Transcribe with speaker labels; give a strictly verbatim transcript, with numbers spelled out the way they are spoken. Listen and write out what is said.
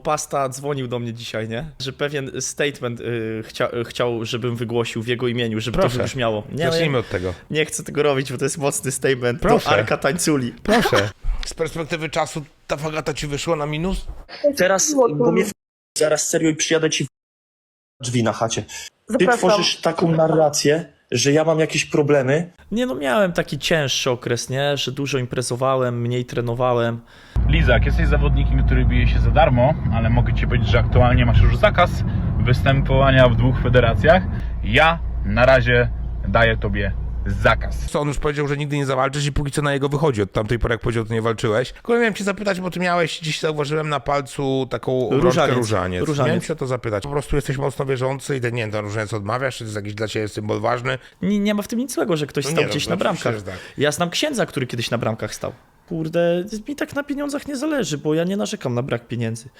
Speaker 1: Pasta dzwonił do mnie dzisiaj, nie? Że pewien statement y, chcia, chciał, żebym wygłosił w jego imieniu, żeby
Speaker 2: Proszę.
Speaker 1: to wybrzmiało. Nie,
Speaker 2: Zacznijmy
Speaker 1: nie,
Speaker 2: od tego.
Speaker 1: nie chcę tego robić, bo to jest mocny statement.
Speaker 2: Proszę.
Speaker 1: To Arka Tańculi.
Speaker 2: Proszę. Z perspektywy czasu ta fagata ci wyszła na minus?
Speaker 1: Teraz, bo mnie w... zaraz serio i przyjadę ci w... drzwi na chacie. Ty
Speaker 3: Zapraszam.
Speaker 1: tworzysz taką narrację, że ja mam jakieś problemy. Nie no, miałem taki cięższy okres, nie? Że dużo imprezowałem, mniej trenowałem.
Speaker 4: Lizak, jesteś zawodnikiem, który bije się za darmo, ale mogę ci powiedzieć, że aktualnie masz już zakaz występowania w dwóch federacjach. Ja na razie daję tobie zakaz.
Speaker 2: Co, on już powiedział, że nigdy nie zawalczysz i póki co na jego wychodzi. Od tamtej pory, jak powiedział, to nie walczyłeś. Tylko miałem cię zapytać, bo ty miałeś, dziś zauważyłem na palcu taką obrączkę
Speaker 1: Różaniec.
Speaker 2: różaniec.
Speaker 1: Różaniec.
Speaker 2: Miałem cię o to zapytać. Po prostu jesteś mocno wierzący i ten, nie wiem, ten różaniec odmawiasz, czy to jest jakiś dla ciebie symbol ważny?
Speaker 1: Nie, nie ma w tym nic złego, że ktoś
Speaker 2: No
Speaker 1: stał
Speaker 2: nie, no,
Speaker 1: gdzieś
Speaker 2: to
Speaker 1: na
Speaker 2: oczywiście,
Speaker 1: bramkach.
Speaker 2: że tak.
Speaker 1: Ja znam księdza, który kiedyś na bramkach stał. Kurde, mi tak na pieniądzach nie zależy, bo ja nie narzekam na brak pieniędzy.